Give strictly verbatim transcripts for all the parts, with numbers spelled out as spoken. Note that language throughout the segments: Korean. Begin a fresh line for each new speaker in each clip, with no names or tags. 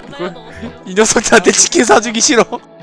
전화를 넣었어요.
이 녀석들한테 치킨 사주기 싫어.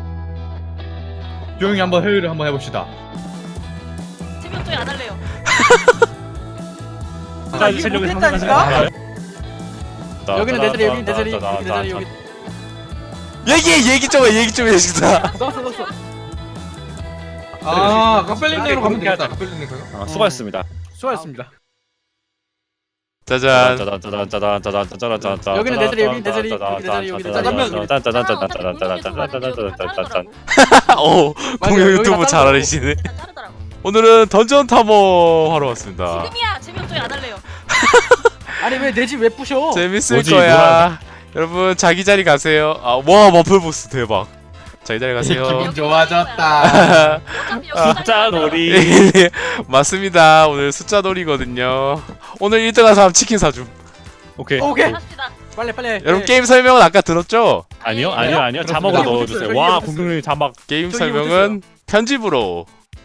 조용히 한번 회의를 한번 해봅시다.
재미없어요. 안 할래요.
아, 이게 못했다니까?
여기는 내 자리, 여기는 내 자리, 여기 내 자리, 여기.
얘기 얘기 좀 해, 얘기 좀 해, 진짜.
넣었어, 넣었어.
아, 카펠린네로 가면 되겠다. 카펠린네 가요?
아, 수고하셨습니다.
수고하셨습니다.
짜잔.
짜잔짜잔짜잔짜잔짜잔짜잔.
여기는 내 자리, 여기는 내 자리, 여기 내 자리, 여기 내 자리.
짜잔짜잔짜잔짜잔짜잔짜잔.
오, 공룡 유튜브 잘 알으시네.
다 자르더라고.
오늘은 던전 탐험 하러 왔습니다.
지금이야. 재미없어요. 안 할래요.
아니 왜 내 집 왜 부셔?
재밌을
뭐지,
거야. 여러분 자기 자리 가세요. 아, 와 머플보스 대박. 자기 자리 가세요.
기분 좋아졌다.
어차피 여기
숫자 놀이.
맞습니다. 오늘 숫자 놀이거든요. 오늘 일 등한 사람 치킨 사줌.
오케이.
오케이.
합시다.
빨리 빨리.
여러분 게임 설명은 아까 들었죠?
아니요, 아니요, 아니요. 자막으로 넣어주세요. 와, 공룡님 자막.
게임
저기
설명은 편집으로.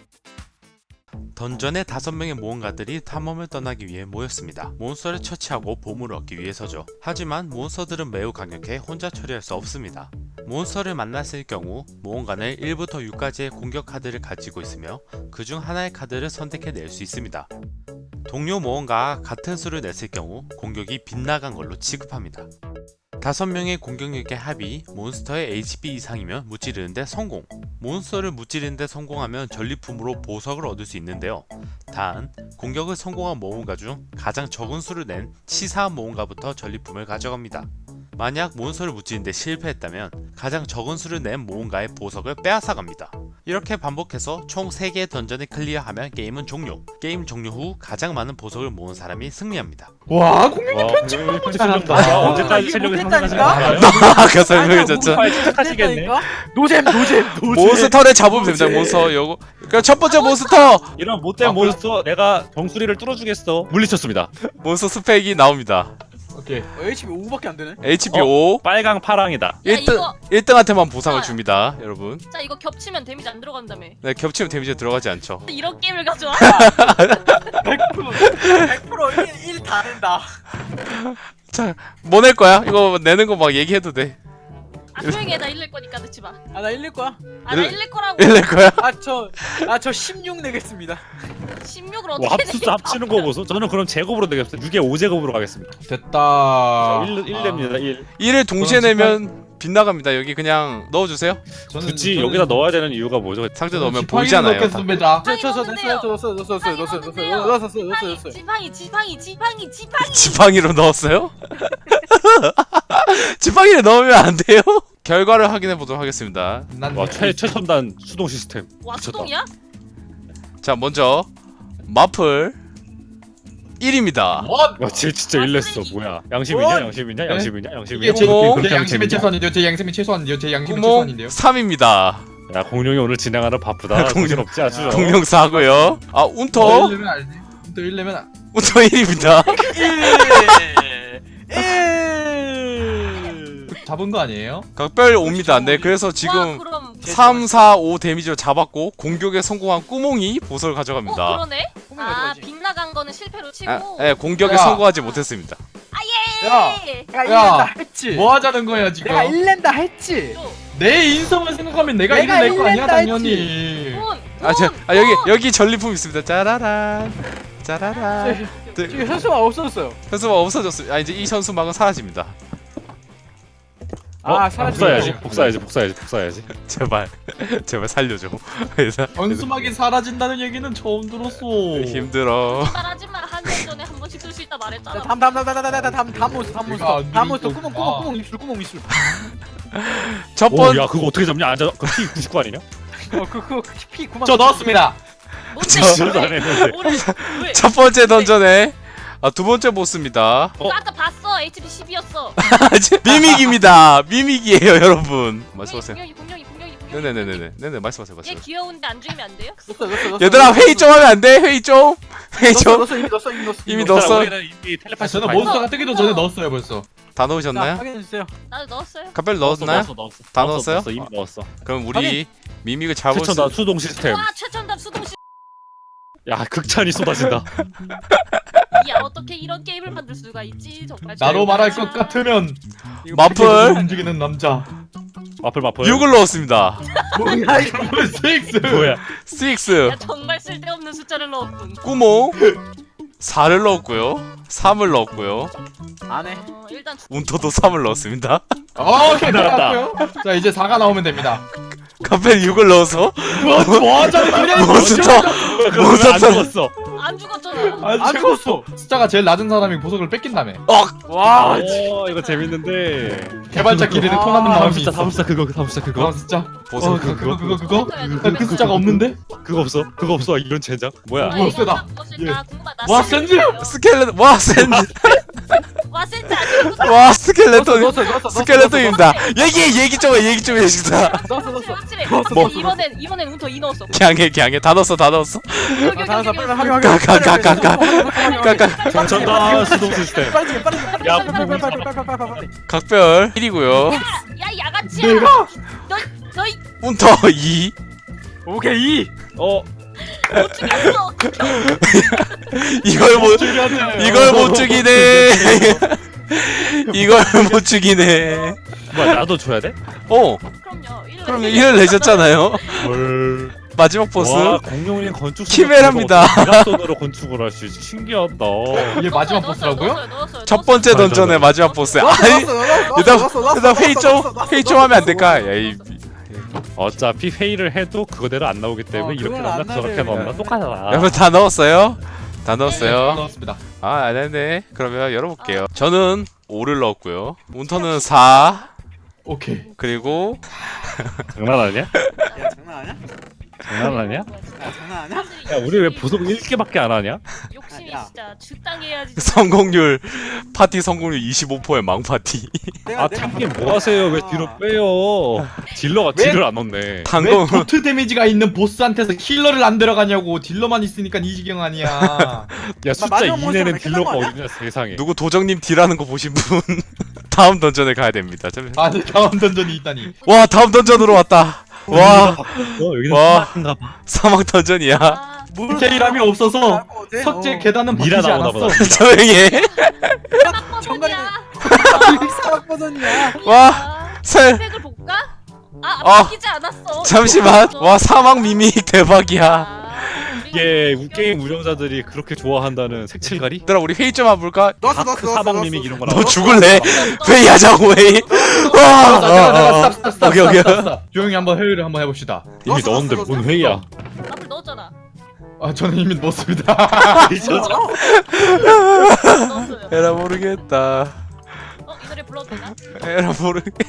던전의 다섯 명의 모험가들이 탐험을 떠나기 위해 모였습니다. 몬스터를 처치하고 보물을 얻기 위해서죠. 하지만 몬스터들은 매우 강력해 혼자 처리할 수 없습니다. 몬스터를 만났을 경우 모험가는 일부터 육까지의 공격 카드를 가지고 있으며 그중 하나의 카드를 선택해 낼 수 있습니다. 동료 모험가와 같은 수를 냈을 경우 공격이 빗나간 걸로 취급합니다. 다섯 명의 공격력의 합이 몬스터의 에이치피 이상이면 무찌르는데 성공. 몬스터를 무찌르는데 성공하면 전리품으로 보석을 얻을 수 있는데요. 단, 공격을 성공한 모험가 중 가장 적은 수를 낸 치사한 모험가부터 전리품을 가져갑니다. 만약 몬스터를 무찌르는데 실패했다면 가장 적은 수를 낸 모험가의 보석을 빼앗아갑니다. 이렇게 반복해서 총 세 개의 던전을 클리어하면 게임은 종료. 게임 종료 후 가장 많은 보석을 모은 사람이 승리합니다.
와, 공룡
와, 공룡님 편집 실력다. 언제까지 실력이 상승하시나요?
아까 설명해줬죠.
하시겠네.
노잼, 노잼, 노잼.
몬스터를 잡으면 됩니다. 몬스터 요거. 그럼 첫 번째 몬스터
이런 못된 몬스터 내가 정수리를 뚫어주겠어. 물리쳤습니다.
몬스터 스펙이 나옵니다.
오케이.
어, 에이치피 오밖에 안 되네.
에이치피
어?
오.
빨강 파랑이다.
일 등
이거-
일 등한테만 보상을 줍니다, 여러분.
자 이거 겹치면 데미지 안 들어간다며.
네, 겹치면 데미지 들어가지 않죠.
이런 게임을 가져와.
백 퍼센트 백 퍼센트 일 다 된다.
자, 뭐 낼 거야? 이거 내는 거 막 얘기해도 돼.
아 조용히 해. 나 일낼 거니까 듣지 마.
아, 나 일릴 거야.
아 나
일-
일낼 거라고.
일 낼 거야?
아, 저, 아, 저 십육 내겠습니다.
십육을
와,
어떻게
합수 합치는 거 보소. 저는 그럼 제곱으로 되겠어요. 육에 오 제곱으로 가겠습니다.
됐다.
일, 일 냅니다. 일.
일을 동시에
저는
내면 빗나갑니다. 여기 그냥 넣어주세요.
저는
굳이 여기다 넣어야 되는 이유가 뭐죠?
상자 넣으면
지팡이를
보이잖아요.
넣겠습니다.
저, 저, 저,
넣었는데요.
넣었어요, 넣었어요, 넣었어요, 넣었어요, 넣었어요,
넣었는데요.
넣었어요, 넣었어요, 넣었어요, 넣었어요.
지팡이 지팡이 지팡이 지팡이.
지팡이로 넣었어요? 지팡이를 넣으면 안 돼요? 결과를 확인해 보도록 하겠습니다.
난
와, 최 최첨단 수동 시스템.
와
미쳤다.
수동이야?
자, 먼저 마플 일입니다.
뭐?
와, 쟤 진짜
아,
일냈어.
쓰레기.
뭐야? 양심이냐? 양심이냐? 양심이냐? 양심이냐?
이게 제,
구멍.
제 양심의 최소한인데요. 제 양심의 최소한인데요. 제 양심의
구멍
최소한인데요.
삼입니다.
야, 공룡이 오늘 진행하는 바쁘다.
공룡.
공룡 없지 아주.
공룡 사고요. 아,
더
운터
일려면 알지. 또 일려면 안-
운터 일입니다.
잡은 거 아니에요?
각별 옵니다. 네, 그래서
와,
지금
그럼
삼, 사, 오 데미지로 잡았고 공격에 성공한 꾸몽이 보석을
어
가져갑니다.
그러네.
꿈을
아
가져가지.
빗나간 거는 실패로 치고.
아, 네, 공격에
야.
성공하지 못했습니다.
야,
예.
내가
야,
일낸다 했지.
뭐 하자는 거야 지금?
내가 일낸다 했지.
내 인성을 생각하면 내가
내가
일을 낼 거 아니야
일낸다
당연히.
돈.
아, 저,
돈,
아 여기
돈.
여기 전리품 있습니다. 짜라란, 짜라란.
지금 현수막 없어졌어요.
현수막 없어졌어요. 아, 이제 이 현수막은 사라집니다.
어,
아, 사라지고.
복사해야지. 복사해야지. 복사해야지. 복사해야지.
제발, 제발 살려줘. 그래서
원수막이 사라진다는 얘기는 처음 들었어.
힘들어.
말하지 마. 한 년 전에 한 번씩 쓸 수 있다 말했잖아.
다음, 다음, 다음, 다음, 다음, 다음, 다음, 다음 몬스터, 다음
내가
몬스터,
안
다음 몬스터.
누르고
구멍,
있구나.
구멍, 구멍 입술, 구멍 입술.
첫
오,
번,
야, 그거 어떻게 잡냐? 안 잡. 그 피 구십구 아니냐?
어, 그, 그, 피 구멍.
저 넣었습니다.
뭔데?
진짜도 안 했는데.
오늘 왜?
첫 번째 던전에 아, 두 번째 보스입니다.
어?
나 아까 봤어. 에이치피 십이었어.
미믹입니다. 미믹이에요, 여러분. 말씀하세요.
공룡이 공룡이 공룡이 공룡이.
네네네네. 네네, 말씀하세요,
얘
말씀하세요.
귀여운데 안 죽이면 안 돼요?
넣었어, 넣었어, 넣었어.
얘들아, 회의 좀 하면 안 돼? 회의 좀. 회의
넣었어,
좀.
넣었어, 이미 넣었어, 이미 넣었어.
이미
넣었어.
넣었어.
우리는 이미
아,
텔레파시
저는
다
몬스터가 뜨기도 전에 넣었어요 벌써.
다
자,
넣으셨나요?
확인해주세요.
나도 넣었어요.
갑별
넣었어,
넣었나요?
넣었어, 넣었어.
다
넣었어,
넣었어요?
넣었어, 이미 넣었어.
그럼 우리 미믹을 잡을
최첨단
수
수동 시스템.
와 최첨단 수동식.
야, 극찬이 쏟아진다.
야 어떻게 이런 게임을 만들 수가 있지 정말.
나로 말할 것 같으면
마플
움직이는 남자.
마플 마플.
육을 넣었습니다.
뭐야 이거.
식스.
뭐야?
육,
야 정말 쓸데없는 숫자를 넣었군.
구모 사를 넣었고요. 삼을 넣었고요.
안 해.
어, 일단 주...
운터도 삼을 넣었습니다.
오케이
나왔다.
나왔고요. 자 이제 사가 나오면 됩니다.
카페 육을 넣어서
뭐 뭐하자는 그래?
몬스터
안
몬스터
죽었어.
안 죽었잖아.
안 죽었어.
숫자가 제일 낮은 사람이 보석을 뺏긴다며.
와.
어 이거 재밌는데.
개발자 기대를
아,
통하는
다음
마음이
숫자
있어.
다음 숫자 그거 다음 숫자
그거
그거
숫자.
보석
어, 그, 그거 그거 그거.
그,
그 숫자가 없는데?
그거 없어 그거 없어 이런 젠장 뭐야?
뭐 세다. 와, 센즈!
스켈레톤 와 센즈
와 센즈 아니고.
와 스켈레톤
넣었어, 넣었어, 넣었어,
스켈레톤입니다. 얘기 얘기 좀 해, 얘기 좀 해주자.
넣었어 넣었어.
확실해.
뭐?
이번엔 이번엔 운터 이 넣었어.
갱해 갱해 다 넣었어 다 넣었어.
여기 여기
아,
여기,
빨리
여기.
빨리 확인
가, 가, 가, 가, 가. 까까
정전다 수동 시스템.
빨리 좀 빨리 좀 빨리
야,
빨리 빨리 빨리 빨리 빨리 빨리 빨리.
각별 일이고요.
야 야가치야.
내가
너 너희
운터 이.
오케이.
어
못 죽였어.
이걸 못
죽였네.
이걸 못 죽이네. 이걸 못 죽이네.
뭐야 나도 줘야 돼?
어
그럼요. 일
그럼 일을 내셨잖아요.
헐.
마지막 보스
와 공룡인 건축.
키메라입니다.
손으로 건축을 할 수 있지 신기하다.
이게 마지막 보스라고요?
첫 번째 던전의 마지막 보스. 아니 일단 일단 회의 좀 회의 좀 하면 안 될까? 야이
어차피 회의를 해도 그거대로 안 나오기 때문에
어,
이렇게
그건 안
넣나 저렇게
나와요.
넣나 똑같아.
여러분 다 넣었어요? 다 넣었어요?
넣었습니다.
아, 안 했네. 그러면 열어볼게요. 저는 오를 넣었고요. 운터는 사.
오케이.
그리고
장난 아니야?
야 장난 아니야?
장난 아니야?
야 장난 아니야?
야 우리 왜 보석 일 개밖에 안 하냐?
욕심이
야.
진짜 적당해야지.
성공률 파티 성공률 이십오 퍼센트의 망파티.
내가
아
내가
탱님 뭐 하세요? 왜 뒤로 빼요? 딜러가
왜?
딜을 안 넣네.
왜
당공
도트 데미지가 있는 보스한테서 힐러를 안 들어가냐고. 딜러만 있으니까 이 지경 아니야.
야 숫자
마지막
이 내는
몬스터는
딜러가
끝난 거
어디냐 세상에.
누구 도정님 딜하는 거 보신 분 다음 던전에 가야 됩니다. 잠시-
아니 다음 던전이 있다니.
와 다음 던전으로 왔다. 와
어, 여기는
와.
사막인가 봐.
사막 던전이야.
아,
디테일함이 없어서
어때?
석재
어.
계단은
미라
바뀌지
나오나
않았어.
보다.
조용히 해.
사막
정갈이
버전이야.
사막 버전이야.
와 설.
팩을 볼까? 아
어.
바뀌지 않았어.
잠시만. 와 사막 미믹 대박이야.
아,
이게 게임 운영자들이 그렇게 좋아한다는 색칠가리?
얘들아 우리 회의 좀 해볼까?
넣었어
다크
넣었어 넣었어.
사막 미믹 이런 거
너
나와.
죽을래? 회의하자고 회의.
자,
와.
잠깐 잠깐
어, 어.
스탑 스탑 스탑
오케이, 오케이.
스탑, 스탑. 조용히 한번 회의를 한번 해봅시다.
이미
넣었어,
넣었는데
넣었어,
뭔
넣었어.
회의야?
앞을 넣었잖아.
아 저는 이미 넣었습니다.
넣었어요.
에라 모르겠다.
어, 이 노래 불러도 되나?
에라 모르겠다.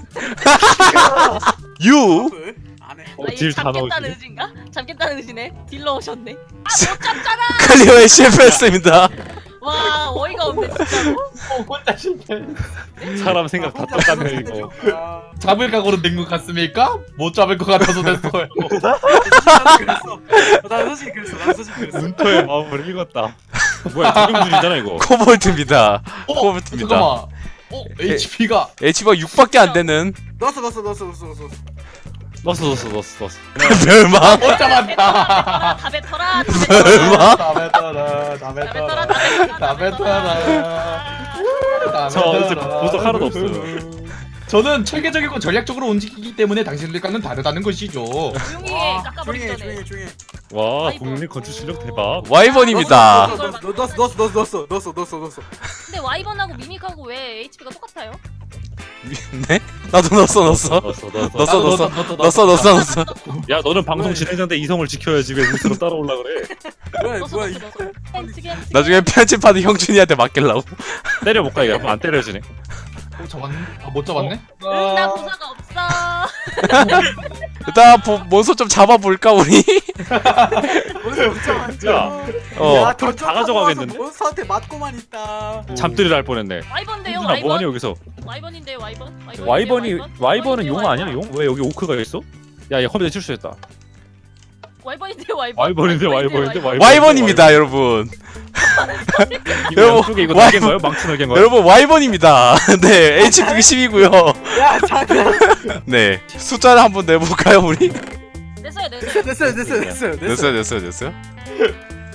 유.
안 해.
어,
아,
딜
이거
다
잡겠다는
넣었지.
의지인가? 잡겠다는 의지네. 딜러 오셨네. 아, 못 잡잖아.
클리어에 실패했습니다.
와, 어이가 없네 진짜로.
어, 혼자 실패.
사람 생각 다 똑같네 이거.
아,
잡을 각오로 된 것 같습니까? 못 잡을 것 같아서 됐어요.
나도 그랬어. 나 솔직히 그랬어. 나 솔직히 그랬어.
문터의 마음을 읽었다. 뭐야 조명줄이잖아 이거.
코볼트입니다.
어,
코볼트입니다.
잠깐만. 어, 에이치피가
에이치피가 육밖에 안 되는
넣었어 넣었어 넣었어 넣었어 넣었어.
넣었어 넣었어 넣었어 넣었어.
멸망.
못 잡았다.
다 뱉어라.
멸망.
다 뱉어라, 다
다 뱉어라.
뱉어라,
다 뱉어라.
다 뱉어라. 다
저 이제
뱉어라.
보석 하나도 없어요.
저는 체계적이고 전략적으로 움직이기 때문에 당신들과는 다르다는 것이죠.
조용히 해.
와,
깎아버리기
조용히 해
전에.
조용히 해 조용히 해.
와
아이고.
국민 건축 실력 대박.
와이번입니다.
넣었어 넣었어 넣었어 넣었어 넣었어 넣었어 넣었어 넣었어.
근데 와이번하고 미믹하고 왜 에이치피가 똑같아요?
네? 나도 넣었어 넣었어.
넣었어 넣었어.
넣었어 넣었어 넣었어 넣었어 넣었어.
야 너는 방송 진행자인데 이성을 지켜야지 왜 우스로 따라올라 그래?
뭐야
넣었어
뭐야 이.
넣었어 넣었어. 햄스기, 햄스기.
나중에 편집하드 형준이한테 맡길라고.
때려볼까 이거 안 때려지네.
어, 잡았네? 아, 못 잡았네?
응, 나 보사가 없어.
일단 보, 몬스터 좀 잡아볼까 우리?
오늘 붙잡았죠.
야
어.
그럼 다 가져가겠는데?
몬스터한테 맞고만 있다.
잠들이 날 뻔했네.
와이번데요,
형준아 뭐하니
와이번.
여기서?
와이번인데 와이번. 와이번인데,
와이번이
와이번?
와이번은 용
와이번인데,
아니야 용? 왜 여기 오크가 있어? 야얘 컴퓨터 실수했다.
와이번인데 와이번.
와이번인데 와이번인데 와이번.
와이번입니다 여러분.
이거
여러분,
양쪽에 이거
와이번.
날개인 거예요? 망치 날개인 거예요?
여러분 와이번입니다. 네 에이치피 십이고요.
야 잠깐.
네 숫자를 한번 내볼까요 우리?
됐어요, 됐어요.
됐어요 됐어요 됐어요
됐어요 됐어요 됐어요.